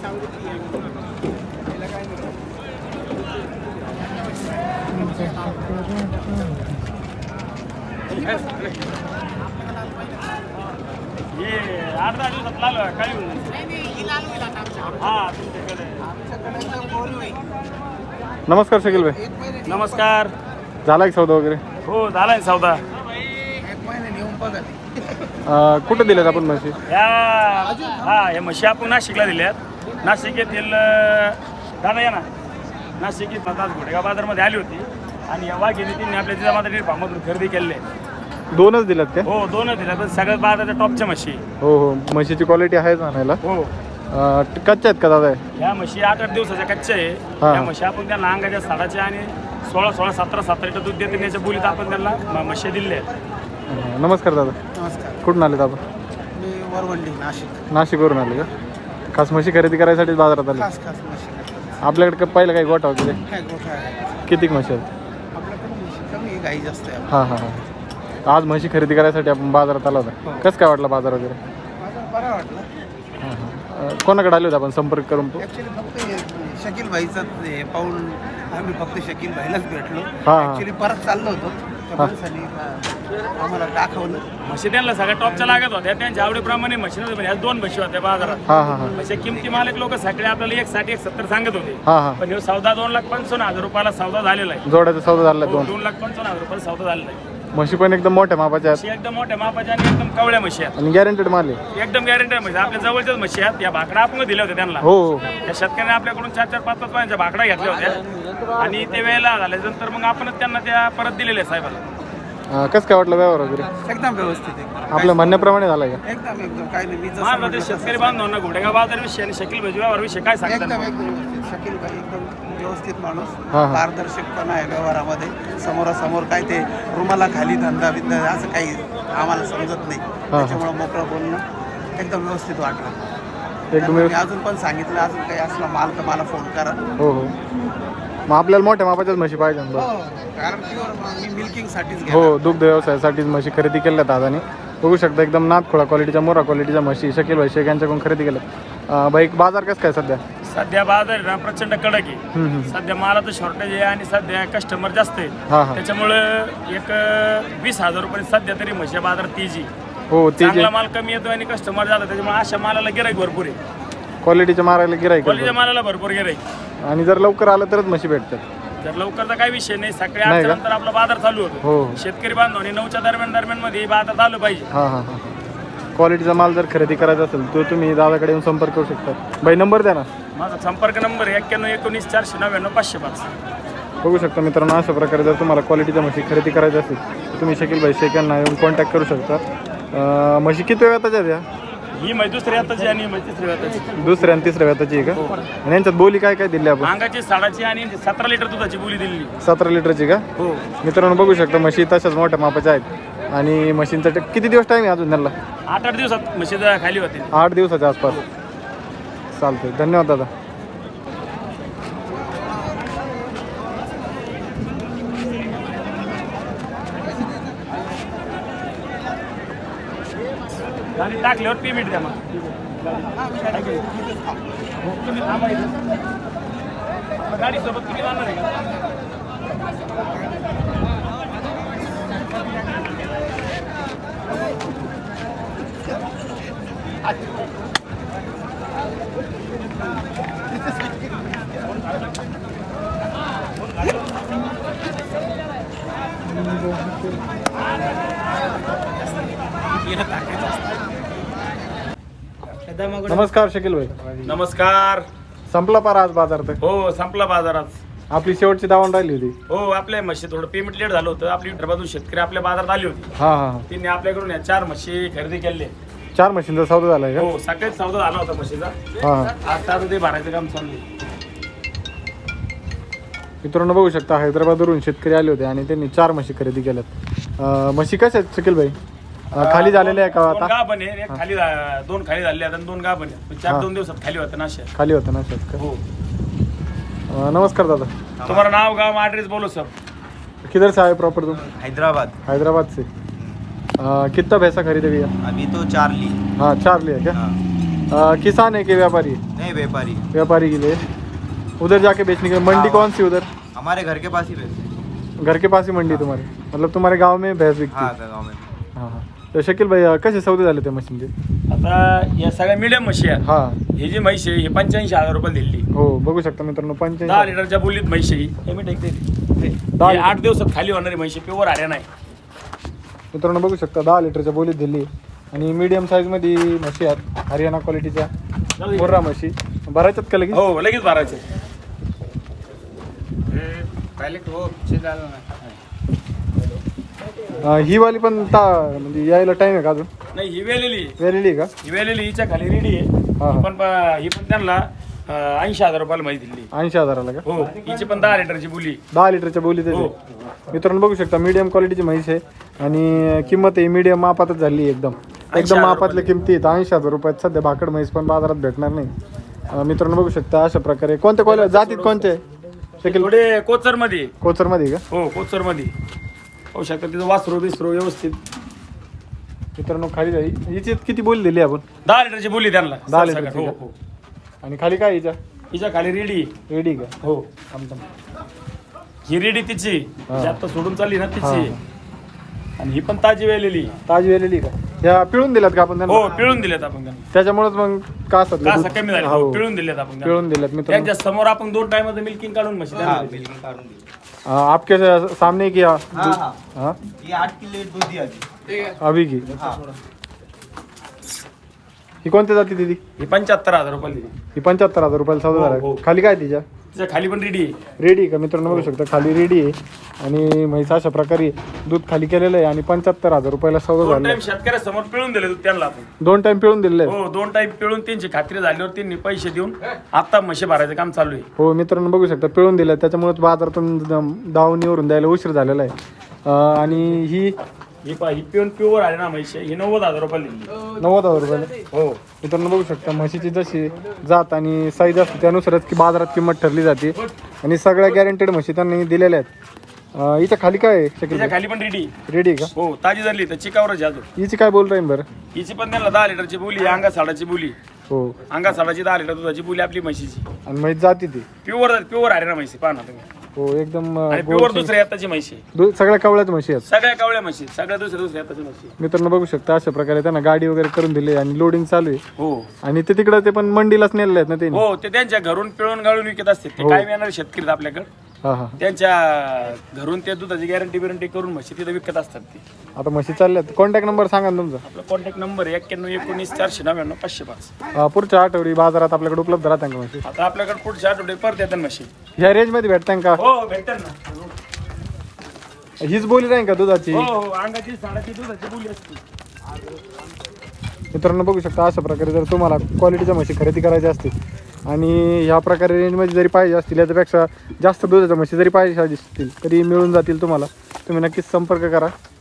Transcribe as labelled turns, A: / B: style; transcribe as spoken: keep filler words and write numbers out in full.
A: ये आठ दहा दिवसात लाल काय होईल हा तुमच्याकडे.
B: नमस्कार शकील भाई.
A: नमस्कार.
B: झाला एक सौदा वगैरे?
A: हो झालाय सौदा.
B: अं, कुठं दिल्यात आपण म्हशी?
A: या हा या म्हशी आपण नाशिकला दिल्यात. नाशिक येथील अं, दादा या ना नाशिक येथील आज घोडेगाव बाजारमध्ये आली होती आणि या वाघिणी तिने आपल्या जिजामाता फार्ममधून खरेदी केले.
B: दोनच दिल्यात काय?
A: हो दोनच दिल्या पण सगळ्यात बाजाराच्या टॉपच्या म्हशी.
B: हो हो म्हशीची क्वालिटी आहे आणायला.
A: हो
B: अं, कच्च्या आहेत का दादा?
A: ह्या म्हशी आठ आठ दिवसाच्या कच्च्या आहे.
B: हा.
A: या म्हशी आपण त्यांना अंगाच्या साडाच्या आणि सोळा सोळा सतरा सतरा लिटर दूध देते याच्या बोलीत आपण त्यांना म- म्हशी दिल्या आहेत.
B: अं, नमस्कार दादा.
C: नमस्कार.
B: कुठून आले आपण?
C: मी वरवंडी नाशिक.
B: नाशिकवरून आले का? खास म्हशी खरेदी करायसाठी बाजारात आले?
C: खास खास म्हशी
B: आपल्याकडे का- पहिलं काही गोठा वगैरे
C: काय गोठा आहे
B: किती म्हशी आहेत?
C: आपल्याकडे म्हशी कमी आहे, गाई जास्त आहे.
B: हां हां हां. आज म्हशी खरेदी करायसाठी आपण बाजारात आला होता. कसं काय वाटलं बाजार वगैरे?
C: माझा बरा वाटला.
B: हां हां. अं, कोणाकडे आले होते आपण संपर्क करून?
C: ॲक्च्युली फक्त हे शकील भाईचं हे पाहून आम्ही फक्त शकील भाईलाच भेटलो.
B: हा.
C: ॲक्च्युली परत चाललो होतो त्या माणसाने अं, आम्हाला दाखवलं.
A: म्हशी त्यांना सगळ्या टॉपच्या लागत होत्या. त्यांच्या आवडीप्रमाणे म्हशी नव्हत्या पण ह्या दोन म्हशी होत्या बाजारात.
B: हां हां हां
A: म्हणजे किमती मालक लोक सगळे आपल्याला एक साठ एक सत्तर सांगत होते.
B: हां हां.
A: पण ह्यो सौदा दोन लाख पंचावन्न हजार रुपयाला सौदा झालेला आहे.
B: जोड्याचा सौदा झाला
A: हो,
B: दोन.
A: दोन लाख पंचावन्न हजार रुपयाला सौदा झालेला आहे.
B: म्हशी पण एकदम मोठ्या मापाच्या आहेत
A: म्हशी एकदम मोठ्या मापाच्या आणि एकदम कवळ्या म्हशी आहेत.
B: आणि गॅरंटेड माल आहे.
A: एकदम गॅरंटी म्हशी आपल्या जवळच्याच म्हशी आहेत. या भाकडा आपण दिल्या होत्या त्यांना.
B: हो हो.
A: त्या शेतकऱ्याने आपल्याकडून चार चार पाच पाच पाण्याच्या भाकड्या घेतल्या होत्या आणि ते वेळेला झाल्यानंतर मग आपणच त्यांना त्या परत दिलेल्या आहे साहेबाला.
B: अं, कसं काय वाटलं व्यवहार वगैरे?
C: एकदम व्यवस्थित आहे.
B: आपल्या म्हणण्याप्रमाणे झालं का?
C: एकदम एकदम काही नाही. मी जसं
A: महाराज
C: म्हटलं
A: ते
C: तसं.
A: शेतकरी बांधवांना घोडेगाव बाजार विषयी आणि शकील भजी व्यवहार विषयी काय सांगतात?
C: एकदम एकदम व्यवस्थित. शकील भाई एकदम व्यवस्थित माणूस.
B: हा, हा.
C: पारदर्शकपणा आहे व्यवहारामध्ये. समोरासमोर काय ते रुमाला खाली धंदा बिंदा असं काही आम्हाला समजत नाही. त्याच्यामुळं मोकळं बोलणं एकदम व्यवस्थित वाटलं.
B: एकदम
C: त्यांना मी
B: व्यवस्थित.
C: अजून पण सांगितलं अजून काही असला माल तर मला फोन करा.
B: हो हो. मग आपल्याला मोठ्या मापाच्याच म्हशी पाहिजे ना?
C: हो कारण प्युअर मी मिल्किंगसाठीच घेणार.
B: हो दुग्ध व्यवसायासाठीच म्हशी खरेदी केल्या दादानी. बघू शकता एकदम नाथखोळा क्वालिटीच्या मोरा क्वालिटीच्या म्हशी शकील भाई शेख यांच्याकडून खरेदी केल्या. बाई बाजार कसं काय सध्या?
A: सध्या बाजार ना प्रचंड कडक आहे.
B: हम्म, हम्म.
A: सध्या मालाचं शॉर्टेज आहे आणि सध्या कस्टमर जास्त आहेत.
B: हां हां.
A: त्याच्यामुळं एक अं, वीस हजार रुपये सध्या तरी म्हशी बाजारात तेजी.
B: हो ते
A: चांगला माल कमी येतो आणि कस्टमर जातो. त्याच्यामुळे अशा मालाला गिराईक भरपूर आहे.
B: क्वालिटीच्या मारायला गिराईक.
A: क्वालिटीच्या मालाला भरपूर गिराईक.
B: आणि जर लवकर आलं तरच म्हशी भेटतात.
A: जर लवकरचा काही विषय नाही. सकाळी
B: नाही
A: आठच्या
B: का?
A: नंतर आपला बाजार चालू होतो.
B: हो.
A: शेतकरी बांधवांनी नऊच्या दरम्यान दरम्यान मध्ये बाजार आलं पाहिजे.
B: हां हां हां. क्वालिटीचा माल जर खरेदी करायचा असेल तर तुम्ही दादाकडे येऊन संपर्क करू शकता. बाई नंबर द्या ना.
A: माझा संपर्क नंबर आहे एक्क्याण्णव एकोणीस चारशे नव्याण्णव पाचशे पाच.
B: बघू शकता मित्रांनो अशा प्रकारे जर तुम्हाला क्वालिटीच्या म्हशी खरेदी करायची असेल तर तुम्ही शकील भाई शेख यांना येऊन कॉन्टॅक्ट करू शकता. अं, म्हशी किती वेळाच्या आहेत या?
A: ही म्हैस दुसरी हाताची आणि ही म्हैस तिसरी हाताची.
B: दुसऱ्या आणि तिसऱ्या वेताची आहे का? आणि यांच्यात बोली काय काय दिली आपण?
A: अंगाची साडाची आणि सतरा लिटर दुधाची बोली दिली.
B: सतरा लिटरची का?
A: हो
B: मित्रांनो बघू शकता म्हशी तशाच मोठ्या मापाच्या आहेत. आणि म्हशींचा टे- किती दिवस टाईम आहे अजून त्यांना?
A: आठ आठ दिवसात म्हशी खाली होते.
B: आठ दिवसाच्या आसपास. चालतंय धन्यवाद दादा.
A: गाडी टाकल्यावर पेमेंट द्या मग. तुम्ही थांबा इथं. गाडीसोबत तुम्ही जाणार आहे का?
B: नमस्कार शकील भाई.
A: नमस्कार.
B: संपला पारा आज बाजार तर?
A: हो संपला बाजारात.
B: आपली शेवटची दावण राहिली होती.
A: हो आपल्या म्हशी थोडं पेमेंट लेट झालं होतं. आपली विदर्भातून शेतकरी आपल्या बाजारात आली होती.
B: हां हां हां.
A: तिने आपल्याकडून या चार म्हशी खरेदी केले.
B: चार म्हशींचा सौदा झालाय का?
A: हो सकाळीच सौदा झाला होता म्हशीचा.
B: हां हां.
A: आता आता ते भरायचं काम चालू आहे.
B: मित्रांनो बघू शकता हैदराबादवरून शेतकरी आले होते आणि त्यांनी चार म्हशी खरेदी केल्यात. अं, म्हशी कशा आहेत शकील भाई? अं, खाली झालेल्या आहे का
A: दोन
B: आता?
A: गाभण आहे, एक खाली झा- दोन खाली झाले आणि दोन गाभण आहे. पण चार
B: हा.
A: दोन दिवसात खाली होतं ना अशा.
B: खाली होतं ना शेत का?
A: हो
B: अं, नमस्कार दादा.
A: तुम्हारा नाव गाँव एड्रेस बोलो सब.
B: किधर से आए प्रॉपर तुम?
D: हैदराबाद।
B: हैदराबाद से. अं, कितना पैसा खरीदे भैया?
D: अभी तो चार ली।
B: हाँ चार लिया क्या?
D: हाँ।
B: अ, किसान है कि व्यापारी?
D: नहीं व्यापारी है।
B: व्यापारी के लिए उधर जाके बेचने के लिए। मंडी कौन सी उधर?
D: हमारे घर के पास ही बेचते।
B: घर के पास ही मंडी तुम्हारे, मतलब तुम्हारे गाव में भैंस विकती?
D: हाँ गाँव में।
B: हां हां. तर शकील भाई अ, कसे सौदे झाले त्या म्हशींचे?
A: आता या सगळ्या मिडियम म्हशी आहेत.
B: हां
A: ही जी म्हैस आहे ही पंच्याऐंशी हजार रुपये दिली.
B: हो बघू शकता मित्रांनो
A: दहा
B: पंच्याऐंशी.
A: लिटरच्या बोलीत म्हैस आहे ही. हे मी टेकते
B: दहा
A: ही
B: लिटर.
A: आठ दिवसात खाली होणारी म्हैस आहे, प्युअर हरियाणा आहे.
B: मित्रांनो बघू शकता दहा लिटरच्या बोलीत दिली आणि मीडियम साईजमध्ये म्हशी आहेत हरियाणा क्वालिटीच्या मुर्रा म्हशी. भरायच्यात का लगेच?
A: हो लगेच भरायचे.
D: पहले तो वो पीछे डालना।
B: अ, ही वाली पण ता म्हणजे यायला टाइम आहे का अजून?
A: नाही ही वेलेली आहे.
B: वेलेली आहे का?
A: ही वेलेली हिच्या खाली रेडी आहे.
B: हा, हा.
A: ही पण प- ही पण त्यांना ऐंशी हजार रुपयाला म्हैस दिली.
B: ऐंशी हजाराला का?
A: हो हिची पण दहा लिटरची बोली.
B: दहा लिटरच्या बोली त्याची.
A: हो.
B: मित्रांनो बघू शकता मीडियम क्वालिटीची म्हैस आहे आणि किंमत आहे मीडियम मापातच झाली आहे एकदम एकदम
A: हजार
B: मापातल्या किमती आहेत. ऐंशी हजार रुपयात सध्या भाकड म्हैस पण बाजारात भेटणार नाही. अ, मित्रांनो बघू शकता अशा प्रकारे. कोणत्या क्वालिटी जातीत कोणते? शकील
A: थोडे कोचर मध्ये.
B: कोचरमध्ये का?
A: हो कोचर मध्ये होऊ शकतं तिथं वासरू बिसरू व्यवस्थित.
B: मित्रांनो खाली जाई हिची किती बोली दिली आपण?
A: दहा लिटरची बोली त्यांना.
B: दहा
A: सगळं.
B: लिटरची
A: हो
B: का?
A: हो
B: आणि खाली काय हिच्या?
A: हिच्या खाली रेडी.
B: रेडी का?
A: हो ही रेडी तिची
B: हा.
A: जी आता सोडून चालली ना
B: हा.
A: तिची. आणि ही पण ताजी वेलेली.
B: ताजी वेलेली का? ह्या पिळून दिल्यात का आपण
A: हो
B: त्यांना?
A: पिळून दिलेत आपण त्यांना.
B: त्याच्यामुळेच मग का असतात
A: का
B: दूध?
A: असं कमी झाले?
B: हो.
A: हो, पिळून दिलेत आपण त्यांना.
B: पिळून दिल्यात मित्रांनो.
A: त्यांच्या समोर आपण दोन टाइमचं मिल्किंग काढून म्हशी त्यांना दिली.
B: अ, आपके सामने किया
D: हाँ हाँ
B: हाँ
D: ये आठ किलो दूध दिया जी।
B: अभी की
D: हाँ
B: ही कोणत्या जाती दिली?
A: ही पंच्याहत्तर हजार रुपये दिली.
B: ही पंच्याहत्तर हजार रुपयाला सौदा
A: हो,
B: झाला.
A: हो.
B: खाली काय तिच्या?
A: तिच्या खाली पण रेडी आहे.
B: रेडी का? मित्रांनो बघू शकता खाली रेडी आहे आणि म्हैस अशा प्रकारे दूध खाली केलेलं आहे आणि पंच्याहत्तर हजार रुपयाला सौदा
A: दोन
B: झाला.
A: टाइम शेतकऱ्यासमोर पिळून दिले दूध त्यांना आपण.
B: दोन टाइम पिळून दिलेलं आहे.
A: हो दोन टाइम पिळून त्यांची खात्री झाल्यावर त्यांनी पैसे देऊन आता म्हशी भरायचं काम चालू आहे.
B: हो मित्रांनो बघू शकता पिळून दिलं त्याच्यामुळेच बाजारातून द- दावणीवरून द्यायला उशीर झालेला आहे. अं, आणि ही
A: ही पा ही पिऊन प्युअर आहे ना म्हशी. ही नव्वद हजार रुपये दिली.
B: नव्वद हजार रुपयाला.
A: हो
B: मित्रांनो बघू शकता म्हशीची जशी जात आणि साईज असते त्यानुसारच की बाजारात किंमत ठरली जाते आणि सगळ्या गॅरंटेड म्हशी त्यांनी दिलेल्या आहेत. अं, हिच्या खाली काय आहे शकील?
A: तिच्या खाली पण रेडी.
B: रेडी का?
A: हो ताजी झाली तर चिकावरच आहे अजून.
B: हिची काय बोल राहील बरं?
A: हिची पण त्यांना दहा लिटरची बोली. अंगा साडाची बोली.
B: हो
A: अंगा साडाची दहा लिटर दुधाची बोली आपली म्हशीची.
B: आणि म्हैस जाती ती.
A: प्युअर प्युअर आहे ना म्हशी. पाहा ना तुम्ही.
B: हो एकदम अं,
A: आणि
B: गोड
A: प्युअर
B: शेंग-
A: दुसऱ्या हाताची म्हशी.
B: दु- सगळ्या कवळ्याच म्हशी आहेत.
A: सगळ्या कावळ्या म्हशी. सगळ्या दुसऱ्या दुसऱ्या हाताची म्हशी.
B: मित्रांनो बघू शकता अशा प्रकारे त्यांना गाडी वगैरे करून दिली आणि लोडिंग चालू आहे
A: हो
B: आणि ते तिकडे ते पण मंडीलाच नेलेले आहेत ना ते.
A: हो ते त्यांच्या घरून पिळून गाळून विकत असते. ते
B: हो.
A: काय येणार शेतकरी आहेत आपल्याकडे.
B: हा हा.
A: त्यांच्या घरून ते दुधाची गॅरंटी बिरंटी करून म्हशी तिथे विकत असतात ते.
B: आता म्हशी चालल्यात. कॉन्टॅक्ट नंबर सांगा ना तुमचा.
A: आपला कॉन्टॅक्ट नंबर एक्क्याण्णव एकोणीस चारशे नव्याण्णव पाचशे पाच.
B: अं, पुढच्या आठवडी बाजारात आपल्याकडे उपलब्ध राहतात का म्हशी?
A: आता आपल्याकडे पुढच्या आठवडे परत येतात म्हशी.
B: ह्या रेंजमध्ये भेटतात का?
A: हो भेटतात ना.
B: हीच बोली नाही का दुधाची?
A: हो हो अंगाची साडाची दुधाची बोली असते.
B: मित्रांनो बघू शकता अशा प्रकारे जर तुम्हाला क्वालिटीच्या म्हशी खरेदी करायच्या असतील आणि ह्या प्रकारे रेंजमध्ये जरी पाहिजे असतील याच्यापेक्षा जास्त दुधाच्या म्हशी जरी पाहिजे असतील तरी मिळून जातील तुम्हाला. तुम्ही नक्कीच संपर्क करा.